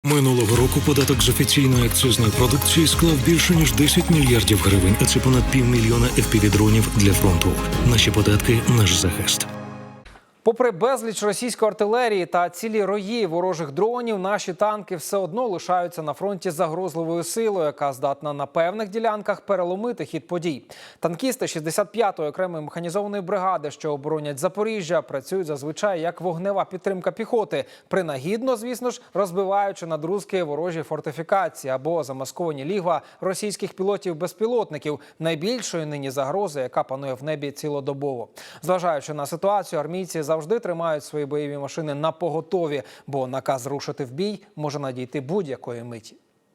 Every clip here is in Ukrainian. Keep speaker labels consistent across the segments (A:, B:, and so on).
A: Минулого року податок з офіційної акцизної продукції склав більше ніж 10 мільярдів гривень, а це понад 500 000 FPV-дронів для фронту. Наші податки – наш захист.
B: Попри безліч російської артилерії та цілі рої ворожих дронів, наші танки все одно лишаються на фронті загрозливою силою, яка здатна на певних ділянках переломити хід подій. Танкісти 65-ї окремої механізованої бригади, що оборонять Запоріжжя, працюють зазвичай як вогнева підтримка піхоти, принагідно, звісно ж, розбиваючи надрузки ворожі фортифікації або замасковані лігва російських пілотів-безпілотників, найбільшої нині загрози, яка панує в небі цілодобово. Зважаючи на ситуацію, армійці завжди тримають свої бойові машини напоготові, бо наказ рушити в бій може надійти будь-якої миті.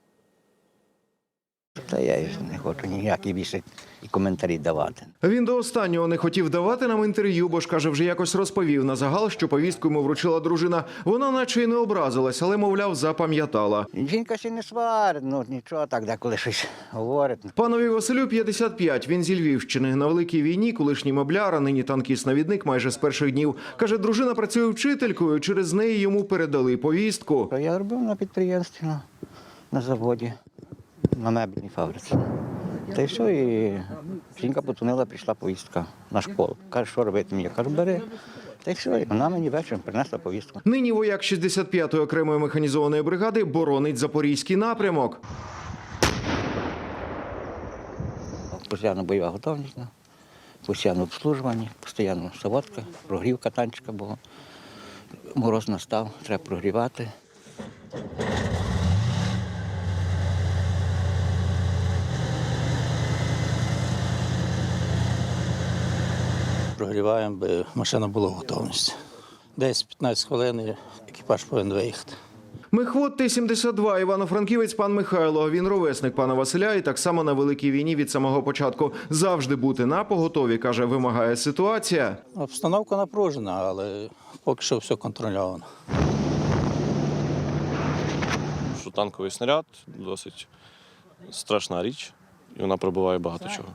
C: Та я не хочу ніякі більше і коментарі давати.
D: Він до останнього не хотів давати нам інтерв'ю, бо ж, каже, вже якось розповів на загал, що повістку йому вручила дружина. Вона наче й не образилась, але, мовляв, запам'ятала.
C: Жінка ще не сварить, ну нічого, так деколи щось говорить.
D: Панові Василю 55, він зі Львівщини. На Великій війні колишній мобляр, а нині танкіст-навідник майже з перших днів. Каже, дружина працює вчителькою, через неї йому передали повістку.
C: Я робив на підприємстві, на заводі, на мебельній фабриці. Та й все, і жінка подзвонила, прийшла повістка на школу. Каже, що робити мені? Я кажу, бери. Та й все, і вона мені вечором принесла повістку.
D: Нині вояк 65-ї окремої механізованої бригади боронить Запорізький напрямок.
C: Постійно бойова готовність, постійно обслужування, постійно заводка, прогрівка танчика була. Мороз настав, треба прогрівати.
E: Прогріваємо, би машина була в готовності. Десь 15 хвилин і екіпаж повинен виїхати.
D: Мехвод Т-72, івано-франківець пан Михайло. Він ровесник пана Василя і так само на Великій війні від самого початку. Завжди бути напоготові, каже, вимагає ситуація.
E: Обстановка напружена, але поки що все контрольовано.
F: Що танковий снаряд – досить страшна річ, і вона пробиває багато чого.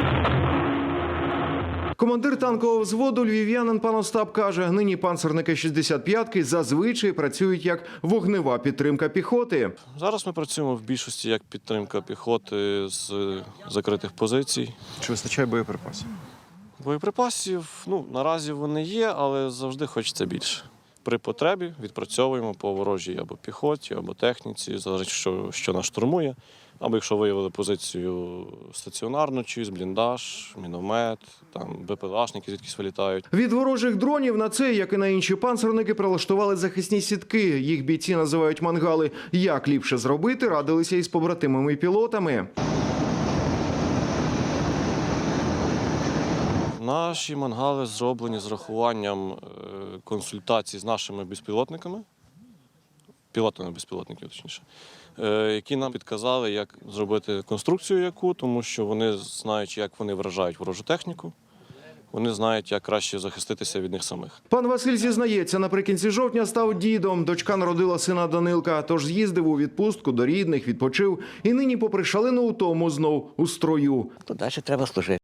D: Командир танкового взводу львів'янин пан Остап каже, нині панцерники 65-ки зазвичай працюють як вогнева підтримка піхоти.
F: Зараз ми працюємо в більшості як підтримка піхоти з закритих позицій.
G: Чи вистачає боєприпасів?
F: Боєприпасів, наразі вони є, але завжди хочеться більше. При потребі відпрацьовуємо по ворожій або піхоті, або техніці, залежить, що нас штурмує. Або якщо виявили позицію стаціонарну, чиюсь, бліндаж, міномет, там БПЛАшники звідкись вилітають.
D: Від ворожих дронів на цей, як і на інші панцерники, прилаштували захисні сітки. Їх бійці називають мангали. Як ліпше зробити, радилися із побратимами-пілотами.
F: Наші мангали зроблені з рахуванням консультацій з нашими безпілотниками, пілотами безпілотників, точніше, які нам підказали, як зробити конструкцію яку, тому що вони знають, як вони вражають ворожу техніку, вони знають, як краще захиститися від них самих.
D: Пан Василь зізнається, наприкінці жовтня став дідом. Дочка народила сина Данилка, тож з'їздив у відпустку до рідних, відпочив. І нині, попри шалену утому, знов у строю.
C: То далі треба служити.